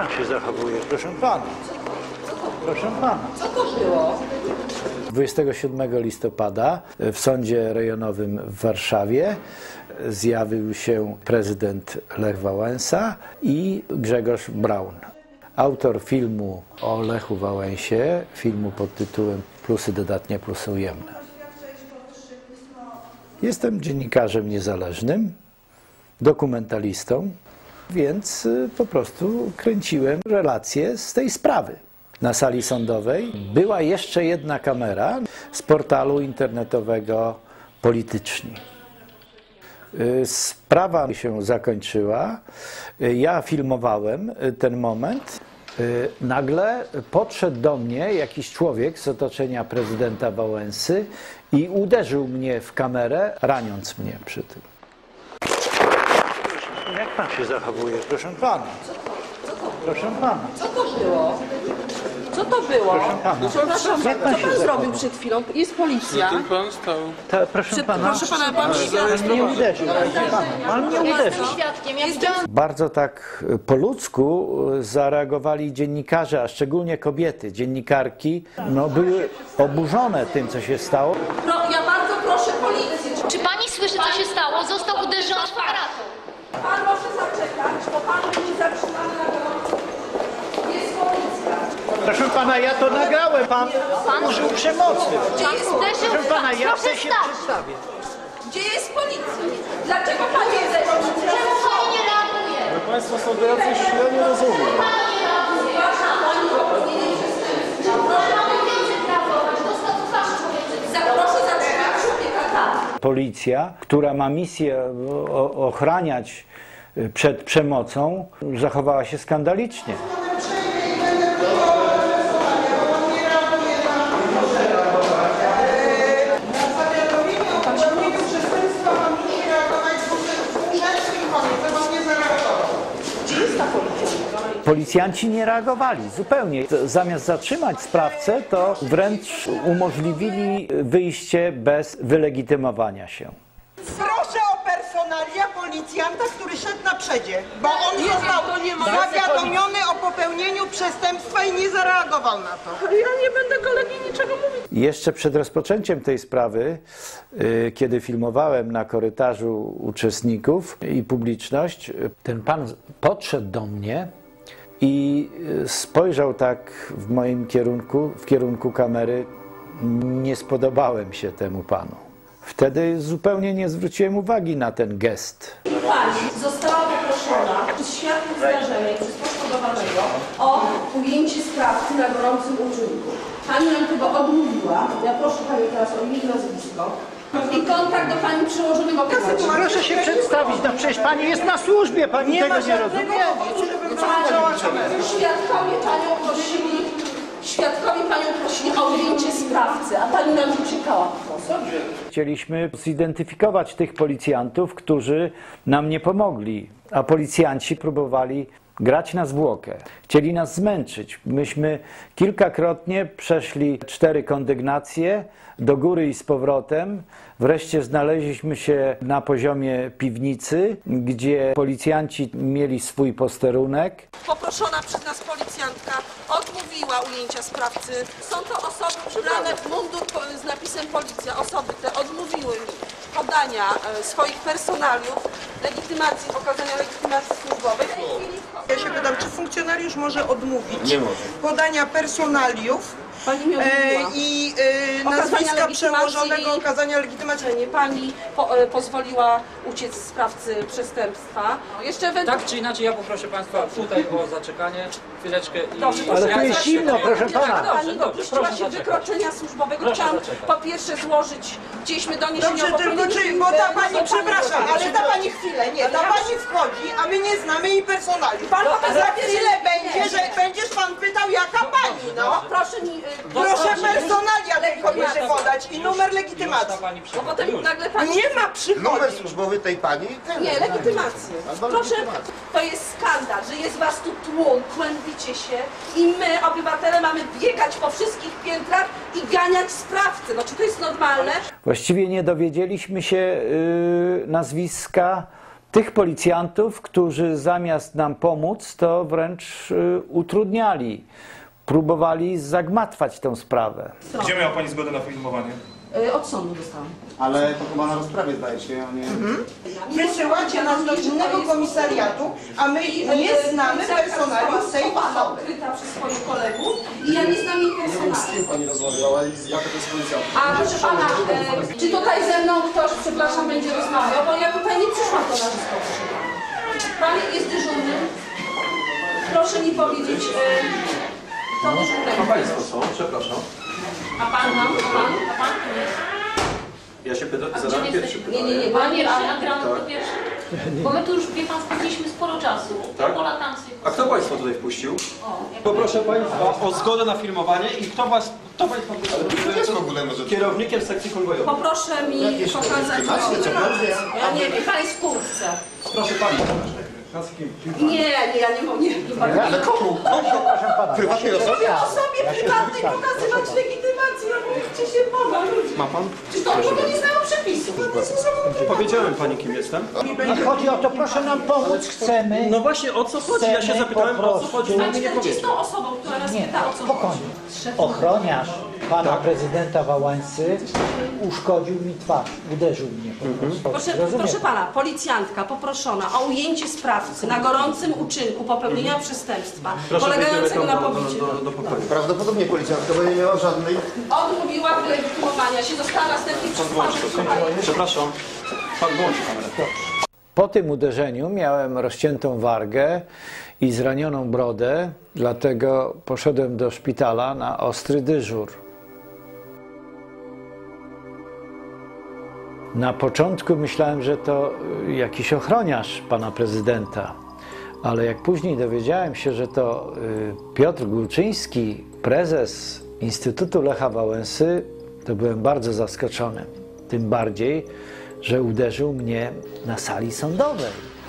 pan się zachowuje, proszę pana? Proszę pana. Co to było? 27 listopada w Sądzie Rejonowym w Warszawie zjawił się prezydent Lech Wałęsa i Grzegorz Braun. Autor filmu o Lechu Wałęsie, filmu pod tytułem Plusy dodatnie, plusy ujemne. Jestem dziennikarzem niezależnym, dokumentalistą, więc po prostu kręciłem relacje z tej sprawy. Na sali sądowej była jeszcze jedna kamera z portalu internetowego Polityczni. Sprawa się zakończyła. Ja filmowałem ten moment. Nagle podszedł do mnie jakiś człowiek z otoczenia prezydenta Wałęsy i uderzył mnie w kamerę, raniąc mnie przy tym. Jak pan się zachowuje, proszę pana? Proszę pana. Co to było? Co to było? Proszę pana. Przepraszam, Jak pan co się pan zachował? zrobił przed chwilą? Jest policja. Ten pan stał. Proszę pana. Proszę pana, pan Pan mnie uderzył. Pan mnie uderzył. Bardzo tak po ludzku zareagowali dziennikarze, a szczególnie kobiety, dziennikarki, były oburzone tym, co się stało. Ja bardzo proszę policję. Czy pani słyszy, co się stało? Został uderzony aparatą. Pan może zaczekać, bo pan będzie zatrzymany na gorąco. Jest policja. Proszę pana, ja to nagrałem. Pan użył przemocy. Gdzie jest, Proszę pana, ja Proszę chcę się stać. przedstawić. gdzie jest policja? Dlaczego pan nie zeszł? Czemu pani nie reaguje? Państwo są do jacyś, ja nie rozumiem. Mamy więcej reagować. Dostał twarz człowieka. Proszę zatrzymać człowieka tam. Policja, która ma misję ochraniać przed przemocą, zachowała się skandalicznie. Policjanci nie reagowali zupełnie. Zamiast zatrzymać sprawcę, to wręcz umożliwili wyjście bez wylegitymowania się. Proszę o personalia policjanta, który szedł na przedzie, bo on został zawiadomiony o popełnieniu przestępstwa i nie zareagował na to. Ja nie będę kolegi niczego mówić. Jeszcze przed rozpoczęciem tej sprawy, kiedy filmowałem na korytarzu uczestników i publiczność, ten pan podszedł do mnie i spojrzał tak w moim kierunku, w kierunku kamery. Nie spodobałem się temu panu. Wtedy zupełnie nie zwróciłem uwagi na ten gest. Pani została poproszona przez świadków zdarzenia i przez poszkodowanego o ujęcie sprawcy na gorącym uczynku. Pani nam tego odmówiła. Ja proszę Pani teraz o imię i nazwisko. I kontakt do Pani przełożonego. Proszę się przedstawić, przecież pani jest na służbie, pani tego nie rozumie. Świadkowie Panią prosili o ujęcie sprawcy, a Pani nam uciekała po prostu. Chcieliśmy zidentyfikować tych policjantów, którzy nam nie pomogli, a policjanci próbowali grać na zwłokę. Chcieli nas zmęczyć. Myśmy kilkakrotnie przeszli 4 kondygnacje do góry i z powrotem. Wreszcie znaleźliśmy się na poziomie piwnicy, gdzie policjanci mieli swój posterunek. Poproszona przez nas policjantka odmówiła ujęcia sprawcy. Są to osoby przebrane w mundur z napisem policja. Osoby te odmówiły mi podania swoich personaliów, legitymacji, pokazania legitymacji służbowej. Ja się pytam, czy funkcjonariusz może odmówić podania personaliów i nazwiska przełożonego, okazania legitymacji? Pani pozwoliła uciec sprawcy przestępstwa. Jeszcze Tak czy inaczej, ja poproszę Państwa tutaj o zaczekanie, chwileczkę i... Dobrze, Ale tu jest zimno, proszę pana. Pani dopuściła się wykroczenia służbowego. Chciałam po pierwsze złożyć, chcieliśmy doniesienie Dobrze, o tylko popełnieniu bo ta bardzo pani, pana przepraszam, proszę. ale ta pani chwilę, nie, ta pani wchodzi, a my nie znamy jej personaliów. Za chwilę będzie, że będziesz pan pytał, jaka pani, no. Proszę mi... Proszę personalia tej kobiety podać i numer legitymacji. Bo potem nagle pani... Nie ma przychodzić. Numer służbowy tej pani? Nie, legitymację. Proszę, to jest skandal, że jest was tu tłum, kłębicie się i my, obywatele, mamy biegać po wszystkich piętrach i ganiać sprawcę. No czy to jest normalne? Właściwie nie dowiedzieliśmy się nazwiska tych policjantów, którzy zamiast nam pomóc, to wręcz utrudniali. Próbowali zagmatwać tę sprawę. Gdzie miała Pani zgodę na filmowanie? Od sądu dostałam. Ale to chyba na rozprawie zdaje się, a nie... Wysyłacie nas do innego komisariatu, a my nie znamy personalium tej osoby. Odkryta przez swoich kolegów i ja nie znam jej personalium. Z kim Pani rozmawiała i jaka to jest policjanta? A proszę pana, czy tutaj ze mną ktoś, przepraszam, będzie rozmawiał? Bo ja tutaj nie przyszłam do narzysko, proszę pana. Pan jest dyżurny. Proszę mi powiedzieć, kto dyżurnego. Państwo są, przepraszam. A pan mam? A pan? Ja się pytam, A zadałem gdzie pierwszy jesteśmy? pytanie. Nie, Pan pierwszy, pan. a gramy to pierwszy? Bo my tu już, wie pan, spędziliśmy sporo czasu. Tak? Po latancy. A kto Państwa tutaj wpuścił? jak Poproszę Państwa o zgodę na filmowanie i kto Państwa To jest w ogóle może... kierownikiem sekcji konwojowej. Poproszę mi pokazać. Ja nie wiem, pan jest w kurtce. Proszę Pani. Nie, ja nie mogę. Ale komu? Prywatnej osobie? Osobie prywatnej pokazywać legitymację, no mówcie się Boga, ludzie. Ma Pan? Czy to nie znają przepisów? Powiedziałem Pani, kim jestem. Nie chodzi o to, proszę nam pomóc, chcemy. No właśnie, o co chodzi? Ja się Chcemy zapytałem, po o co chodzi. prostu- Pani nie Pan powiedział. 40 osobą, która nas pyta, o co Spokojnie. chodzi. Ochroniarz pana prezydenta Wałęsy uszkodził mi twarz, uderzył mnie po prostu. Proszę pana, policjantka poproszona o ujęcie sprawcy na gorącym uczynku popełnienia przestępstwa polegającego na pobiciu. Do pokoju. Prawdopodobnie policjantka, bo nie miała żadnej... Odmówiła wylegitymowania się, została następnie przesłana. Przepraszam. Pan włączy kamerę. Po tym uderzeniu miałem rozciętą wargę i zranioną brodę, dlatego poszedłem do szpitala na ostry dyżur. Na początku myślałem, że to jakiś ochroniarz pana prezydenta, ale jak później dowiedziałem się, że to Piotr Górczyński, prezes Instytutu Lecha Wałęsy, to byłem bardzo zaskoczony. Tym bardziej, że uderzył mnie na sali sądowej.